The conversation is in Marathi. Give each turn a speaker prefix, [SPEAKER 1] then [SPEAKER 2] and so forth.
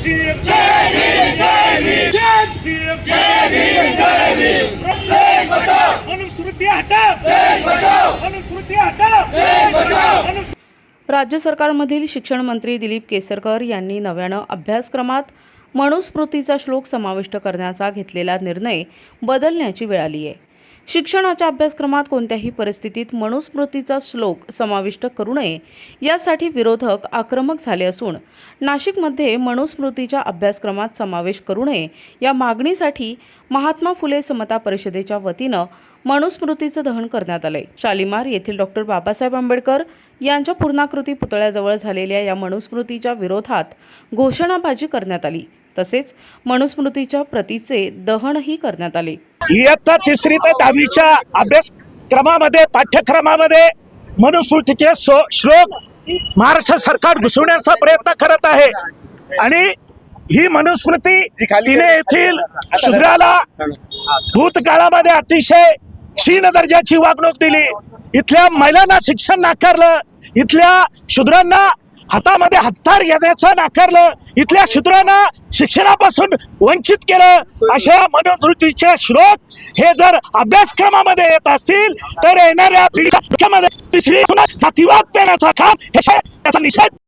[SPEAKER 1] भीम जय भीम जय भीम जय भीम जय भीम जय भीम देश बचाओ मनुस्मृती हटाओ देश बचाओ मनुस्मृती हटाओ देश बचाओ।
[SPEAKER 2] राज्य सरकारमधील शिक्षण मंत्री दिलीप केसरकर यांनी नव्यानं अभ्यासक्रमात मनुस्मृतीचा श्लोक समाविष्ट करण्याचा घेतलेला निर्णय बदलण्याची वेळ आली आहे। शिक्षणाच्या अभ्यासक्रमात कोणत्याही परिस्थितीत मनुस्मृतीचा श्लोक समाविष्ट करू नये यासाठी विरोधक आक्रमक झाले असून नाशिकमध्ये मनुस्मृतीच्या अभ्यासक्रमात समावेश करू नये या मागणीसाठी महात्मा फुले समता परिषदेच्या वतीनं मनुस्मृतीचं दहन करण्यात आले। शालिमार येथील डॉक्टर बाबासाहेब आंबेडकर यांच्या पूर्णाकृती पुतळ्याजवळ झालेल्या या मनुस्मृतीच्या विरोधात घोषणाबाजी करण्यात आली। तसेच मनुस्मृतीच्या प्रतीचे दहनही करण्यात आले।
[SPEAKER 3] इयत्ता 3री ते 10वीच्या अभ्यासक्रमामध्ये पाठ्यक्रमामध्ये मनुस्मृतीचे श्लोक महाराष्ट्र सरकार घुसवण्याचा प्रयत्न करत आहे आणि ही मनुस्मृती तिने येथील शूद्राला भूतकाळामध्ये अतिशय क्षीण दर्जाची वागणूक दिली, इथल्या महिलांना शिक्षण नाकारलं, इथल्या शूद्रांना हातामध्ये हत्यार घेण्याचं नाकारलं, इथल्या शूद्रांना शिक्षणापासून वंचित केलं। अशा मनुस्मृतीचे श्लोक हे जर अभ्यासक्रमामध्ये येत असतील तर येणाऱ्या पिढीमध्ये तिसरी जातीवाद पेरण्याचा काम हे त्याचा निषेध